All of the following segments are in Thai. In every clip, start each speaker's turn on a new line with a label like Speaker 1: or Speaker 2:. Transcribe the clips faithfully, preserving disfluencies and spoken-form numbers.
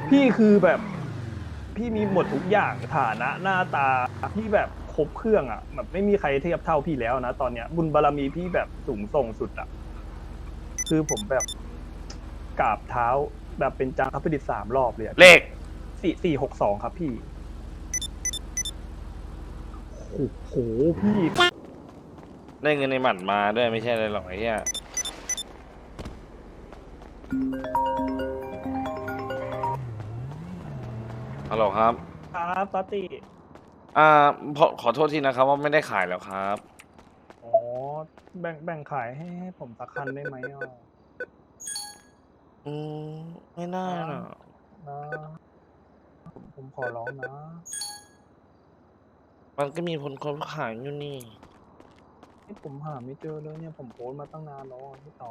Speaker 1: พี่คือแบบพี่มีหมดทุกอย่างฐานะหน้าตาพี่แบบครบเครื่องอ่ะแบบไม่มีใครเทียบเท่าพี่แล้วนะตอนเนี้ยบุญบารมีพี่แบบสูงส่งสุดอ่ะคือผมแบบกราบเท้าแบบเป็นจางคับประดิษฐ์สามรอบเลยอะ
Speaker 2: เลข
Speaker 1: สี่สี่หกสองครับพี่โอ้โหพี่
Speaker 2: ได้เงินในหมันมาด้วยไม่ใช่อะไรหรอกไอ้เหี้ยฮัลโหลครับ
Speaker 1: ครับตอตติ
Speaker 2: อ่าขอขอโทษทีนะครับว่าไม่ได้ขายแล้วครับ
Speaker 1: อ๋อแบ่งแบ่งขายให้ให้ผมสักคันได้ไหมอ่ะ
Speaker 2: อืมไม่ได้
Speaker 1: นะ
Speaker 2: หรอก
Speaker 1: นะผมผมขอร้องนะ
Speaker 2: มันก็มีคนคนขายอยู่นี่
Speaker 1: ที่ผมหาไม่เจอเลยเนี่ยผมโพสต์มาตั้งนานแล้วอะพี่ต่อ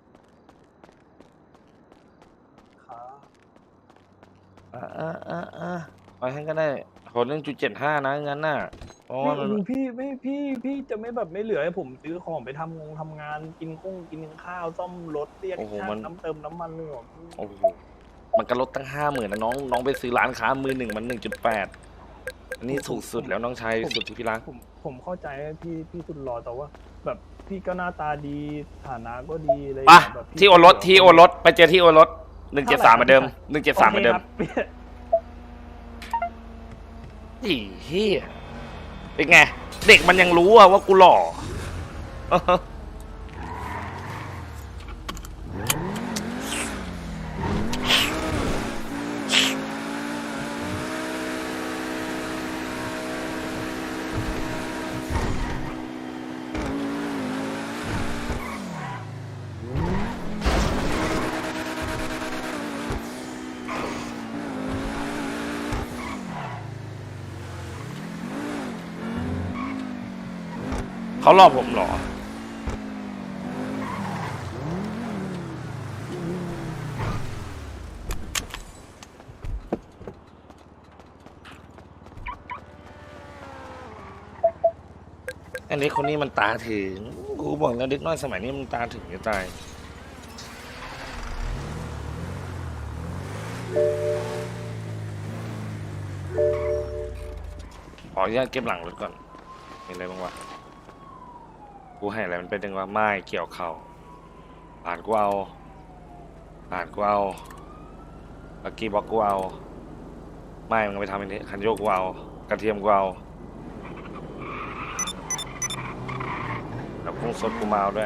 Speaker 1: ครับ
Speaker 2: อ่าอ่าอ่าอ่าไปให้ก็ได้ขอเรื่องจุดเจ็ดห้านะงั้นน่ะเพราะว่า
Speaker 1: พี่
Speaker 2: มัน
Speaker 1: พี่ไม่พี่พี่จะไม่แบบไม่เหลือให้ผมซื้อของไปทำงงทำงานกินข้งกินข้าวซ่อมรถเรียก
Speaker 2: โอ้โห
Speaker 1: ช่าง
Speaker 2: มัน
Speaker 1: น้ำเติมน้ำมันเลยเหรอพี่
Speaker 2: โอ้โหมันก็ลดตั้งห้าหมื่นนะน้องน้องไปซื้อร้านค้ามือหนึ่งมันหนึ่งจุดแปดอันนี้ถู
Speaker 1: ผมผมผม
Speaker 2: กสุดแล้วน้องชาย
Speaker 1: ผม
Speaker 2: สุดที่พี่รัก
Speaker 1: ผมผมเข้าใจพี่พี่สุดหล่อแต่ว่าแบบพี่ก็หน้าตาดีฐานะก็ดีอะไรอย่าง
Speaker 2: ปะ
Speaker 1: เงี้ยแบบพี่
Speaker 2: ที่โอรสที่โอรสไปเจอที่โอรสหนึ่งเจ็
Speaker 1: เท่า
Speaker 2: ดสามเหมือนเดิม
Speaker 1: ไหร่ครับพี่ชาย
Speaker 2: หนึ่งเจ็ด
Speaker 1: โอเค
Speaker 2: สามเหมือนเดิม
Speaker 1: ครับ
Speaker 2: อีเฮียเป็นไงเด็กมันยังรู้อะว่ากูหล่อ เขาหลอกผมเหรออันนี้คนนี้มันตาถึงกูบอกแล้วเด็กน้อยสมัยนี้มันตาถึงจะตายขออนุญาตเก็บหลังรถก่อนมีอะไรบ้างวะกูให้อะไรมันเป็นจังวะไม้เกี่ยวเข่าผ่านกูเอาผ่านกูเอาลักกี้บ็อกกูเอาไม้มันไปทำอันนี้คันโยกกูเอากระเทียมกูเอาแล้วกุ้งสดกูมาเอาด้วย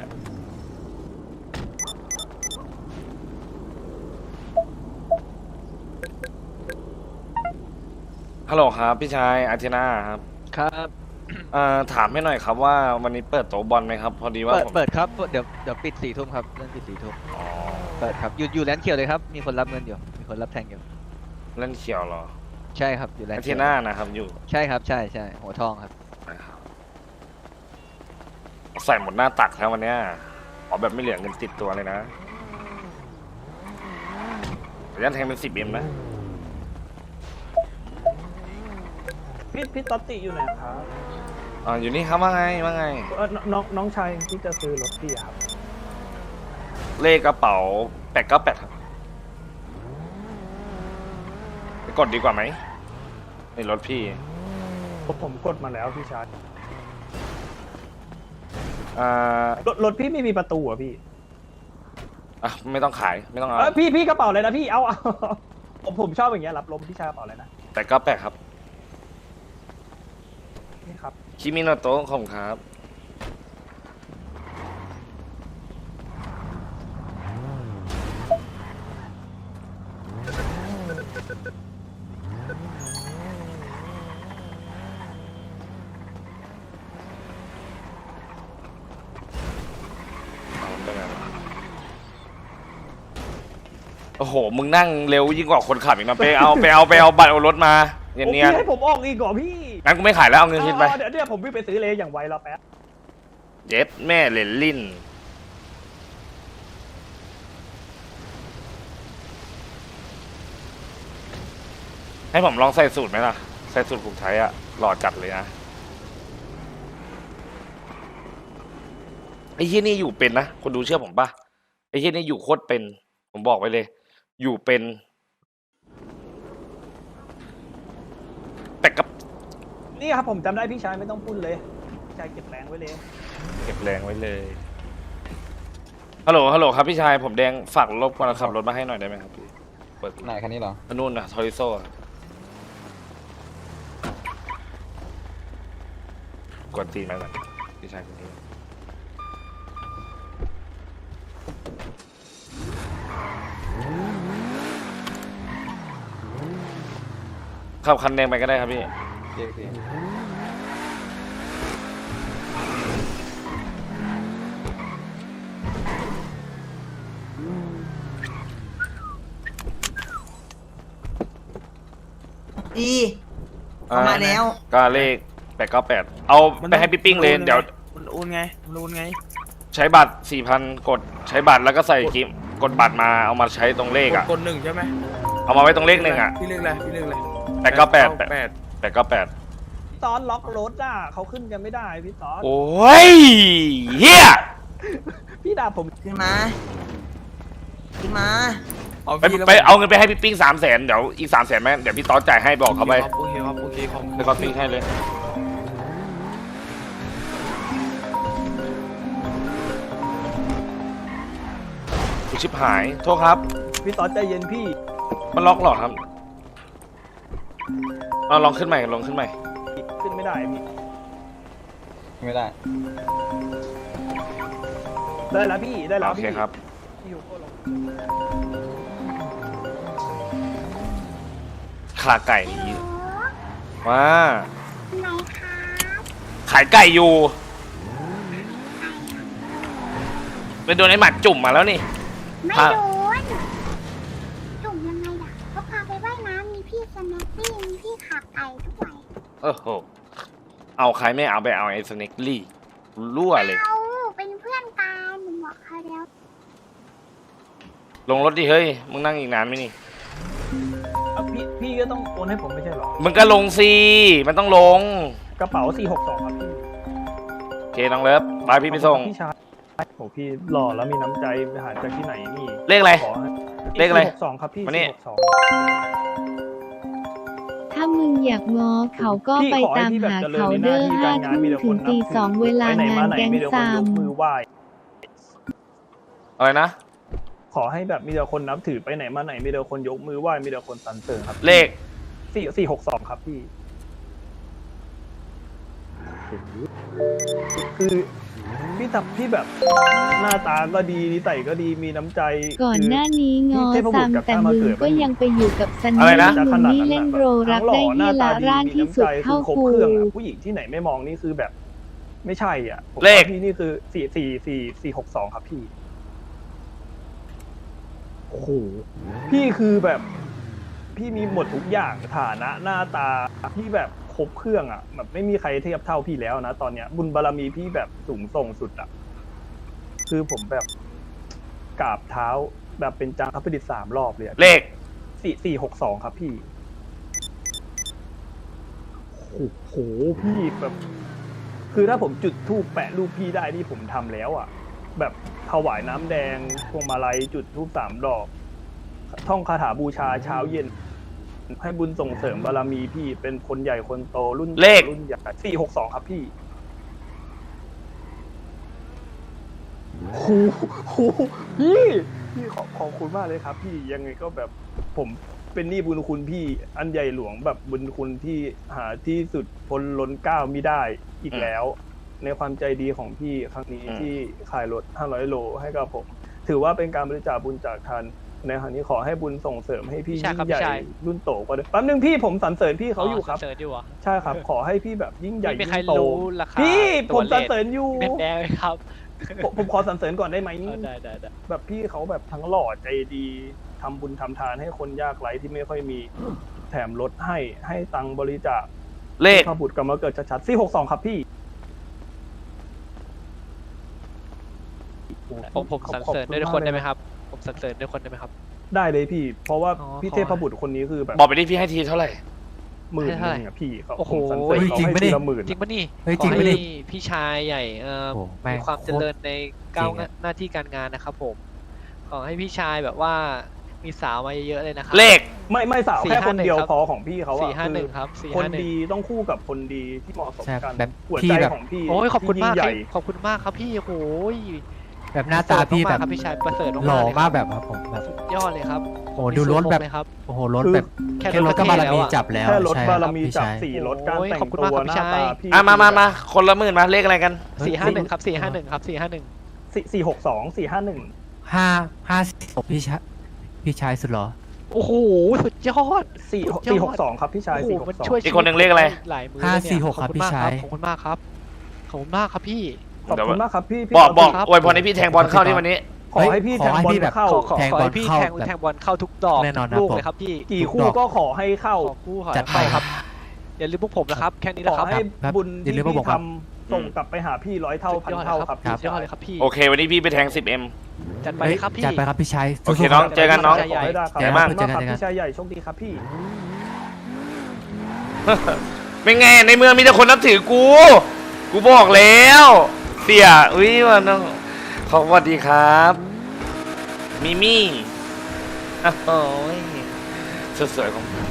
Speaker 2: ฮัลโหลครับพี่ชายอาร์เทนาครับ
Speaker 3: ครับ
Speaker 2: เอ่อถามให้หน่อยครับว่าวันนี้เปิดโต๊ะบอลไหมครับพอดีว่า
Speaker 3: เปิด
Speaker 2: ผม
Speaker 3: เปิดครับเดี๋ยวเดี๋ยวปิดสี่ทุ่มครับเริ่มปิดสี่ทุ่ม
Speaker 2: อ๋อ
Speaker 3: เปิดครับอยู่อยู่แลนด์เขียวเลยครับมีคนรับเงินอยู่มีคนรับแทงอยู่
Speaker 2: เล่นเขียวเหรอ
Speaker 3: ใช่ครับอยู่แลน
Speaker 2: อา
Speaker 3: ด์เขียว
Speaker 2: เทน่านะครับอยู่
Speaker 3: ใช่ครับใช่ใช่หัวทองครับ
Speaker 2: นะครับใส่หมดหน้าตักแล้ววันเนี้ยขอแบบไม่เหลือเงินติดตัวเลยนะระยะแทงเป็นสิบเอ็มนะ
Speaker 1: พี่พี่ตอตติอยู่ไหนครับ
Speaker 2: อ่าอยู่นี่ครับว่าไงว่าไง
Speaker 1: เออน้องน้องชายที่จะซื้อรถพี่อะครับ
Speaker 2: เลขกระเป๋าแปดเก้าแปดครับไปกดดีกว่าไหมในรถพี่
Speaker 1: ผมผมกดมาแล้วพี่ชาย
Speaker 2: อ่าร
Speaker 1: ถรถพี่ไม่มีประตูเหรอ่ะพี่
Speaker 2: อ่ะไม่ต้องขายไม่ต้องเอา
Speaker 1: เออพี่พี่กระเป๋าเลยนะพี่เอาเอาผมผมชอบอย่างเงี้ยรับลมพี่ชายกระเป๋าเลยนะ
Speaker 2: แปดเก้าแปดครับ
Speaker 1: นี่ครับ
Speaker 2: คิมิโนโตะของครับเอาไปไหนวะโอ้โหมึงนั่งเร็วยิ่งกว่าคนขับอีกนะไปเอาไปเอาไปเอาบัตรเอารถมาเนียน
Speaker 1: โอ้
Speaker 2: เนียน
Speaker 1: พี่ให้ผมออกอีกเหรอพี่
Speaker 2: งั้นกูไม่ขายแล้วเอาเงินคืนไป
Speaker 1: เอาเอาเดี๋ยวเดี๋ยวผมวิ่งไปซื้อเลยอย่างไวรอแป๊บ
Speaker 2: เย็บแม่เลนลินให้ผมลองใส่สูตรไหมล่ะ ใส่สูตรผูกไทยอะหล่อจัดเลยนะไอ้ที่นี่อยู่เป็นนะคนดูเชื่อผมป่ะไอ้ที่นี่อยู่โคตรเป็น ผมบอกไว้เลย อยู่เป็นแต่กับ
Speaker 1: นี่ครับผมจำได้พี่ชายไม่ต้องพูดเลยพี่ชายเก็บแรงไว้เลย
Speaker 2: เก็บแรงไว้เลยฮัลโหลฮัลโหลครับพี่ชายผมแดงฝากรบกวนขับรถมาให้หน่อยได้ไหมครับพี่เปิด
Speaker 4: ไหนคันนี้เหรอ
Speaker 2: อันนู่นนะทอริโซ่กดตีนมาก่อนพี่ชายคนนี้ขับคันแดงไปก็ได้ครับพี่
Speaker 4: เจ๊สิ
Speaker 5: ดีเข้ามาแล้ว
Speaker 2: ก็เลขแปดเก้าแปดเอาไปให้พี่ปิ้งเลยเดี๋ยว
Speaker 6: มันโอนไงมันโอนไง
Speaker 2: ใช้บัตรสี่พันกดใช้บัตรแล้วก็ใส่กิมกดบัตรมาเอามาใช้ตรงเลขอ่ะ
Speaker 6: กดหนึ่งใช่ไหม
Speaker 2: เอามาไว้ตรงเลขหนึ่งอ่ะ
Speaker 6: พี่เลขอะไรพี่เลขอะไร
Speaker 2: แปดเก้าแปด
Speaker 6: แปด
Speaker 2: แปดเก้าแปด
Speaker 1: พี่ตอนล็อกรถอ่ะเขาขึ้นกันไม่ได้พี่ตอน
Speaker 2: โอ้ยเฮีย
Speaker 1: พี่ด่าผม
Speaker 5: ขึ้นมา ขึ้นมา
Speaker 6: เอา
Speaker 2: ไป
Speaker 6: พี่แล้ว
Speaker 2: ไปเอาเงินไปให้พี่ปิ้งสามแสนเดี๋ยวอีกสามแสนแม่เดี๋ยวพี่ต๊อดจ่ายให้บอกเขาไป
Speaker 6: โอเคครับโอเคครับ
Speaker 2: เดี๋ยวเขาปิ้งให้เลยกูชิบหายโทษครับ
Speaker 1: พี่ตอนใจเย็นพี่
Speaker 2: มันล็อกเหรอครับเอาลองขึ้นใหม่ลองขึ้นใหม่
Speaker 1: ขึ้นไม่ได้พี่
Speaker 4: ไม่ได้
Speaker 1: ได้แล้วพี่ได้แล้ว
Speaker 2: โอเค
Speaker 1: พี่
Speaker 2: ครับ
Speaker 1: พี่อยู่โคตรลง
Speaker 2: ขาไก่นี้ว้า
Speaker 7: ไหนคะ
Speaker 2: ขายไก่อยู่ไปโดนไอ้หมัดจุ่มมาแล้วนี่
Speaker 7: ไม่
Speaker 2: อ่ะ
Speaker 7: โดนจุ่มยังไงล่ะก็พาไปว่ายน้ำมีพี่สแน็คปี้มีพี่ขาไก่ด้วย
Speaker 2: โอ้โหเอาใครไม่เอาไปเอาไอ้สเน็กลี่รั่วเลย
Speaker 7: เอาเป็นเพื่อนกันหนูบอกเขาแล้ว
Speaker 2: ลงรถดิเฮ้ยมึงนั่งอีกนานไหมนี่
Speaker 1: เอาพี่พี่ก็ต้องโอนให้ผมไม่ใช่เหรอ
Speaker 2: มึงก็ลงสิมันต้องลง
Speaker 1: กระเป๋าสี่หกสองครับพี่
Speaker 2: โอเคน้องเลิฟไปพี่ไปส่ง
Speaker 1: พี่ชายโหพี่หล่อแล้วมีน้ำใจไปหาจากที่ไหนนี่
Speaker 2: เลขอะไร
Speaker 1: ขอให้
Speaker 2: เลขอะไร
Speaker 1: สี่หกสองครับพี่
Speaker 2: มานี่
Speaker 1: สี่หกสอง
Speaker 8: ถ้ามึงอยากง้อเขาก็ไปตามหาเขาเด้อห้าทุ่มถึงตีสองเวลางานแก๊ง
Speaker 1: มีแต่คน
Speaker 8: ซาย ม
Speaker 1: กมือไหว้
Speaker 2: อะไรนะ
Speaker 1: ขอให้แบบมีแต่คนนับถือไปไหนมาไหนมีแต่คนยกมือไหว้มีแต่คนสรรเสริญครับ
Speaker 2: เลข
Speaker 1: สี่สี่หกสองครับพี่คือพี่ทำพี่แบบหน้าตาก็ดีนิสัยก็ดีมีน้ำใจ
Speaker 8: ก่อนหน้านี้งอ
Speaker 1: พี่เทพบุ
Speaker 8: ซั
Speaker 1: ต
Speaker 8: ม
Speaker 1: รกับ
Speaker 8: แต่
Speaker 1: ข้ามา
Speaker 8: มึง
Speaker 1: เกิด
Speaker 8: ก็ยังไปอยู่กับซัน
Speaker 2: อะไร
Speaker 8: นี่
Speaker 2: นะ
Speaker 8: มึงนี่เล่นโรรักได้เฮียละร่านที่สุดเข้า
Speaker 1: คือครบ
Speaker 8: กู
Speaker 1: เครื่องอะผู้หญิงที่ไหนไม่มองนี่คือแบบ ไม่ใช่อ่ะผม
Speaker 2: เลข
Speaker 1: ว่าพี่นี่คือสี่สี่สี่สี่หกสองครับพี่โอ้โหพี่คือแบบ พี่มีหมดทุกอย่างฐานะหน้าตาพี่แบบครบเครื่องอ่ะแบบไม่มีใครเทียบเท่าพี่แล้วนะตอนเนี้ย บุญบารมีพี่แบบสูงส่งสุดอ่ะคือผมแบบกราบเท้าแบบเป็นจางคับประดิษฐ์สามรอบเลยอะ
Speaker 2: เลข
Speaker 1: สี่สี่หกสองครับพี่โอ้โหพี่แบบ คือถ้าผมจุดธูปแปะรูปพี่ได้นี่ผมทำแล้วอ่ะ แบบถวายน้ำแดงพวงมาลัยจุดธูปสามดอก ท่องคาถาบูชาเช้าเย็น ให้บุญส่งเสริมบารมีพี่เป็นคนใหญ่คนโตรุ่น
Speaker 2: เลข
Speaker 1: รุ่นใหญ่สี่หกสองครับพี่โหโหพี่พี่ขอขอบคุณมากเลยครับ พี่ยังไงก็แบบผมเป็นหนี้บุญคุณพี่อันใหญ่หลวงแบบบุญคุณที่หาที่สุดพ้นล้นเกล้าไม่ได้อีกแล้ว ในความใจดีของพี่ครั้งนี้
Speaker 2: อืม
Speaker 1: ที่ขายรถห้าร้อยโลให้กับผม ถือว่าเป็นการบริจาคบุญจากทานในครั้งนี้ขอให้บุญส่งเสริมให้พี่
Speaker 9: พี่ชาย
Speaker 1: ยิ่
Speaker 9: ครับ
Speaker 1: งใหญ่
Speaker 9: พี่ชาย
Speaker 1: รุ่นโตกว่าเดิมแป๊บนึงพี่ผมสรรเสริญพี่เขาอยู่ครับ
Speaker 9: เสิร์ชอยู่เหรอ
Speaker 1: ใช่ครับ ขอให้พี่แบบยิ่งใหญ่
Speaker 9: ไม่มี
Speaker 1: ยิ่
Speaker 9: ใครง
Speaker 1: โต
Speaker 9: รู้ราคา
Speaker 1: พี่
Speaker 9: ตั
Speaker 1: ผ
Speaker 9: ว
Speaker 1: ม
Speaker 9: เล
Speaker 1: สรร
Speaker 9: ข
Speaker 1: เสริญอยู่
Speaker 9: เป็นแดงไหมครับ
Speaker 1: ผมผมขอสรรเสริญก่อนได้ไหม
Speaker 9: เออได้ได้ได้
Speaker 1: แบบพี่เขาแบบทั้งหล่อใจดีทำบุญทำทานให้คนยากไร้ที่ไม่ค่อยมีแถมลดให้ให้ตังค์บริจาค
Speaker 2: เลข
Speaker 1: พระบุตรกรรมเกิดชัดๆสี่หกสองครับพี่
Speaker 9: ผมผมสรรเสริญด้วยคนได้ไหมครับ ผมสรรเสริญด้วยคนได้ไหมครับ
Speaker 1: ได้เลยพี่ เพราะว่า
Speaker 9: อ๋อ
Speaker 1: พี่
Speaker 9: ขอ
Speaker 1: เทพบุตรคนนี้คือแบบ
Speaker 2: บอกไปดิพี่ให้ทีเท่าไหร่
Speaker 1: หมื่น
Speaker 9: ให้
Speaker 1: ห
Speaker 9: เท่าไหร่
Speaker 1: นึงอะพี่เขา
Speaker 9: โอ้โห
Speaker 1: ผมสรรเสริญเขา
Speaker 6: จริง
Speaker 1: ให้
Speaker 6: ปะ
Speaker 1: ที
Speaker 6: นี่
Speaker 1: ละหมื่น
Speaker 9: จริงปะนี่
Speaker 6: เฮ้ย
Speaker 9: ข
Speaker 6: จริ
Speaker 9: อง
Speaker 6: ปะนี่
Speaker 9: ให้พี่ชายใหญ่เอ่อ
Speaker 6: โอ้แม่ง
Speaker 9: มีความ
Speaker 6: โคตร
Speaker 9: เจริญในก้าว
Speaker 6: จริงอะ
Speaker 9: หน้าที่การงานนะครับผม ขอให้พี่ชายแบบว่ามีสาวมาเยอะๆเลยนะครั
Speaker 2: เลข
Speaker 1: ไม่ไม่สาว
Speaker 9: สี่
Speaker 1: แค่
Speaker 9: ห้า
Speaker 1: คนเดียว
Speaker 9: หนึ่งครับ
Speaker 1: พอของพี่เขาอะ
Speaker 9: สี่ห้าหนึ่ง
Speaker 1: อ
Speaker 9: ครับสี่
Speaker 1: คน
Speaker 9: ห้าหนึ่ง
Speaker 1: ดีต้องคู่กับคนดีที่เหมาะสม
Speaker 10: ใช่
Speaker 1: กัน
Speaker 10: แบบ
Speaker 1: หัว
Speaker 10: พี่
Speaker 1: ใจ
Speaker 10: แบบ
Speaker 1: ของพี่
Speaker 9: โอ้ยขอบคุณ
Speaker 1: ที่
Speaker 9: มาก
Speaker 1: ยิ่งใหญ่
Speaker 9: ขอบคุณมากครับพี่โอ้ย
Speaker 10: แบบหน้าตาพี่แบบ
Speaker 9: ครับพี่ชายประเสริฐ
Speaker 10: หล่อ
Speaker 9: เลยครับ
Speaker 10: มากแบบครับผมแบบ
Speaker 9: สุดยอดเลยครับ
Speaker 10: โอ้โหดูรถแบบ
Speaker 9: เลยครับ
Speaker 10: โอ้โหรถแบบ
Speaker 9: แค่
Speaker 10: แค่ร
Speaker 9: ร
Speaker 10: ถ
Speaker 9: ถ
Speaker 10: ก็
Speaker 9: ก็
Speaker 10: บาร
Speaker 9: เท่แล้ว
Speaker 10: มี
Speaker 9: อะ
Speaker 10: จับแล้ว
Speaker 1: แค่รถ
Speaker 10: ใช่
Speaker 1: บาร
Speaker 10: คบ
Speaker 1: มี
Speaker 10: พี่
Speaker 1: จับ
Speaker 10: ชาย
Speaker 1: สี่รถการ
Speaker 9: โอ้ย
Speaker 1: แต่ง
Speaker 9: ขอบคุณ
Speaker 1: ตัว
Speaker 9: มากครับ
Speaker 1: หน้า
Speaker 9: พี่
Speaker 1: ตา
Speaker 9: ชาย
Speaker 1: พี่
Speaker 2: อ่ะมามามาคนละหมื่นมาเลขอะไรกัน
Speaker 9: สี่ห้าหนึ่งครับสี่ห้าหนึ่งครับสี่ห้าหนึ่ง
Speaker 1: สี่สี่หกสองสี่ห้าหนึ่ง
Speaker 10: ห้าห้าสิบพี่ชายพี่ชายสุดเหรอ
Speaker 9: โอ้โหสุดยอด
Speaker 1: สี่
Speaker 9: สุดยอด
Speaker 1: สี่หกสองครับพี่ชาย
Speaker 9: โอ้โห
Speaker 1: สี่หก
Speaker 9: มัน
Speaker 1: สอง
Speaker 9: ช่วย
Speaker 2: อีกคนหนึ่งเลขอะไร
Speaker 9: หลายมือ
Speaker 10: ห้า
Speaker 9: เลยเนี่ย
Speaker 10: สี่หกครับ
Speaker 9: ขอณมาก
Speaker 10: พี่ชาย
Speaker 9: ขอบคุณมากครับขอบคุณมากครับพี่
Speaker 1: ขอบคุณมากครับพี่พี่
Speaker 2: บอกบอก
Speaker 9: ครับ
Speaker 2: อวยพรให้พี่แทงบอลเข้าที่วันนี้
Speaker 1: ขอให้พี่
Speaker 10: ข
Speaker 1: แท
Speaker 10: อง ให้
Speaker 1: บอล
Speaker 10: พี่แบบ
Speaker 1: เข้า
Speaker 9: ขอขอ
Speaker 10: แทง
Speaker 9: ขอบ
Speaker 10: อล
Speaker 9: ให้พี่
Speaker 10: เข้า
Speaker 9: แทง
Speaker 10: แบบ
Speaker 9: แทงบอลเข้าทุกดอก
Speaker 10: แน่นอนนะ
Speaker 9: ลูก
Speaker 10: ผม
Speaker 9: เลยครับพี่
Speaker 1: กี่
Speaker 10: ทุก
Speaker 1: คู่
Speaker 10: ดอก
Speaker 1: ก็ขอให้เข้า
Speaker 9: ขอคู่ขอ
Speaker 10: จัดไป
Speaker 9: เข้าครับอย่าลืมพวกผมนะครับแค่นี้
Speaker 1: ข
Speaker 9: นะ
Speaker 1: อ
Speaker 9: ครับ
Speaker 1: ให้
Speaker 10: ครับ
Speaker 1: บุญ
Speaker 10: อย่า
Speaker 1: ที่
Speaker 10: ลืมว่า
Speaker 1: พี่
Speaker 10: ผมครับ
Speaker 1: ทำส่งกลับไปหาพี่ร้อยเท่าพันเท่าครับ
Speaker 10: ครั
Speaker 1: พี่
Speaker 10: บ
Speaker 9: สุดยอดเลยครับพี่
Speaker 2: โอเค วันนี้พี่ไปแทง สิบเอ็ม
Speaker 9: จัดไปเลยครับพี่
Speaker 10: จัดไปครับพี่ชาย
Speaker 2: โอเค
Speaker 10: สู้ๆ
Speaker 2: น้อง
Speaker 10: รับ
Speaker 2: เจอกันน้อง
Speaker 1: ขอให้ได้ครับ
Speaker 10: เจอกัน
Speaker 1: ขอบคุณ
Speaker 10: เจอ
Speaker 1: มาก
Speaker 10: กัน
Speaker 1: ครับ
Speaker 10: เจอกัน
Speaker 1: พี่ชายใหญ่โชคดีครับพี่
Speaker 2: เป็นไงในเมืองมีแต่คนนับถือกู กูบอกแล้วเตี่ยอุ้ยวันน้องขอสวัสดีครับมิมี่อ้าวโอ้ยสวยๆของผม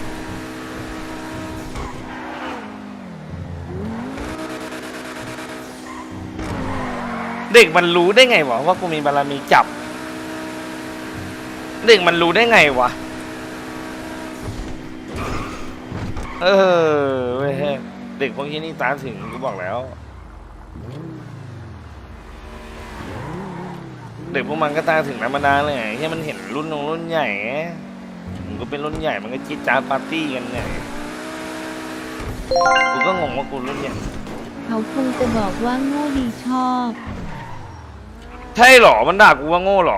Speaker 2: เด็กมันรู้ได้ไงวะว่ากูมีบารมีจับ เด็กมันรู้ได้ไงวะเออเว้ยเด็กพวกนี้นี่ตาถึงกูบอกแล้ว เด็กพวกมันก็ตาถึงน้ำมานานเลยไอ้มันเห็นรุ่นน้องรุ่นใหญ่ไงมันก็เป็นรุ่นใหญ่มันก็จิ๊ดจ๊าดปาร์ตี้กันไงกูก็งงว่ากูรุ่นใหญ่
Speaker 8: เขาคงจะบอกว่าโง่ดีชอบ
Speaker 2: ใช่หรอมันด่ากูว่าโง่หรอ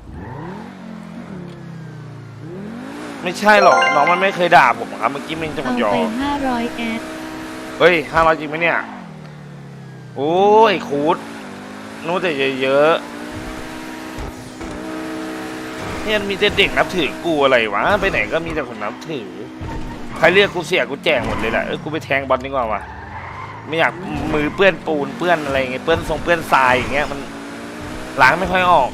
Speaker 2: ไม่ใช่หรอกน้องมันไม่เคยด่าผมครับเมื่อกี้มันจะมา
Speaker 8: เอา
Speaker 2: หยอ
Speaker 8: ไป
Speaker 2: ก
Speaker 8: ห้าร้อยแอด
Speaker 2: เฮ้ยห้าร้อยจริงไหมเนี่ย โอ้ยคูดนู้นแต่เยอะๆเนี่ยมีแต่เด็กนับถือกูอะไรวะ ไปไหนก็มีแต่คนนับถือ ใครเรียกกูเสียกูแจกหมดเลยแหละเออกูไปแทงบอลดีกว่าวะไม่อยากมือเปื้อนปูนเปื้อนอะไรอย่างเงี้ยเปื้อนทรงเปื้อนทรายอย่างเงี้ยมันล้างไม่ค่อยออก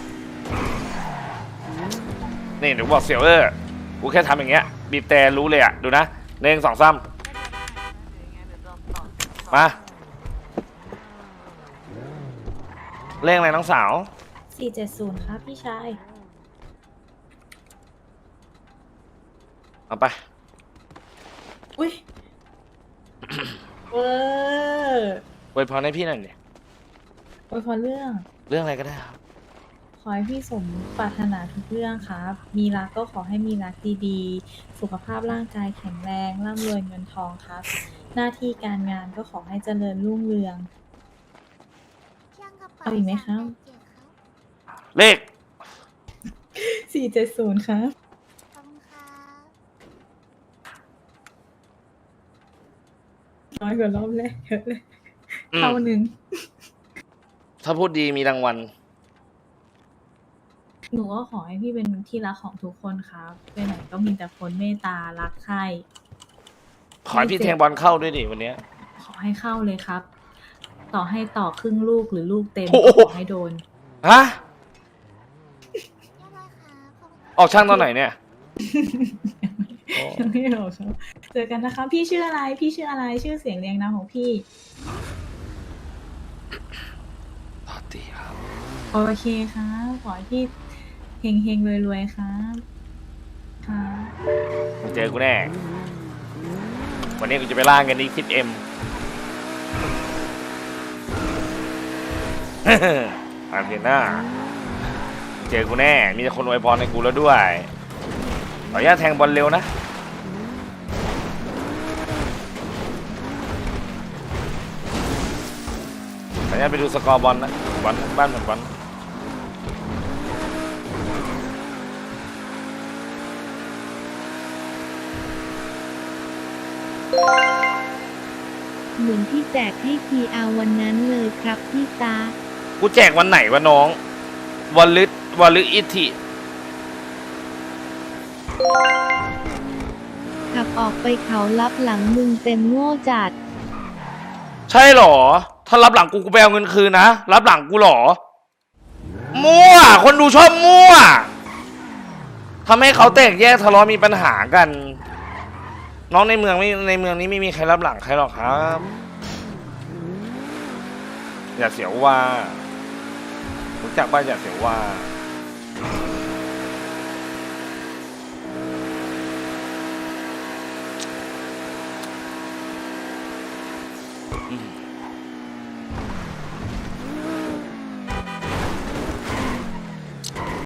Speaker 2: นี่เดี๋ยวบอกเสี่ยวเออกูแค่ทำอย่างเงี้ยบีบแต่รู้เลยอ่ะดูนะหนึ่งสองสามมาเลขอะไรน้องสาว
Speaker 11: สี่เจ็ดศูนย์ครับพี่ชาย
Speaker 2: เอาไป
Speaker 11: อุ้ย เวอร์
Speaker 2: อวยพรให้พี่หน่อยดิ
Speaker 11: โอ้ยพอเรื่อง
Speaker 2: เรื่องอะไรก็ได้ครับ
Speaker 11: ขอให้พี่สมปรารถนาทุกเรื่องครับ มีรักก็ขอให้มีรักดีๆ สุขภาพร่างกายแข็งแรง ร่ำรวยเงินทองครับ หน้าที่การงานก็ขอให้เจริญรุ่งเรือง เอาอีกไหมครับ
Speaker 2: เลข
Speaker 11: สี่เจ็ดศูนย์ครับ
Speaker 7: ขอบคุณครับ
Speaker 11: น้อยกว่ารอบแรกเยอะเลย
Speaker 2: อืม
Speaker 11: เท่าหนึ่ง
Speaker 2: ถ้าพูดดีมีรางวัล
Speaker 11: หนูก็ขอให้พี่เป็นที่รักของทุกคนครับไปไหนก็มีแต่คนเมตตารักใคร่
Speaker 2: ขอให้พี่แทงบอลเข้าด้วยดิวันเนี้ย
Speaker 11: ขอให้เข้าเลยครับ ต่อให้ต่อครึ่งลูกหรือลูกเต็ม
Speaker 2: โอ้
Speaker 11: ก็
Speaker 2: โห
Speaker 11: ขอให้โดน
Speaker 2: ฮะ
Speaker 7: เรียบร้อยครับขอบคุณครับ
Speaker 2: ออกช่างตอนไหนเนี่ยโอ้
Speaker 11: ยังไม่เอาครับเจอกันนะคะพี่ชื่ออะไร พี่ชื่ออะไร ชื่อเสียงเรียงนามของพี่
Speaker 2: ปาร์ตี้ครับ
Speaker 11: โอเคครับ ขอให้พี่เฮงเฮงรวยรวยๆครับค่ะ
Speaker 2: มาเจอกูแน่ วันนี้กูจะไปล่าเงินอีกสิบเอ็ม อาร์เทน่าเจอกูแน่ มีแต่คนอวยพรในกูแล้วด้วย ขออนุญาตแทงบอลเร็วนะ ขออนุญาตไปดูสกอร์บอลนะ บอลบ้านเหมือนบอล
Speaker 8: เหมือนที่แจกให้พีอาวันนั้นเลยครับพี่ตา
Speaker 2: กูแจกวันไหนวะน้องวันลึวันลึอิทิ
Speaker 8: ขับออกไปเขารับหลังมึงเต็มโง่จัด
Speaker 2: ใช่หรอ ถ้ารับหลังกูกูไปเอาเงินคืนนะ รับหลังกูหรอ มั่ว คนดูชอบมั่ว ททำให้เขาแตกแยกทะเลาะมีปัญหากัน น้องในเมืองไม่ในเมืองนี้ไม่มีใครรับหลังใครหรอกครับ อย่าเสียวว่ารู้จักบ้านอย่าเสียวว่าอืม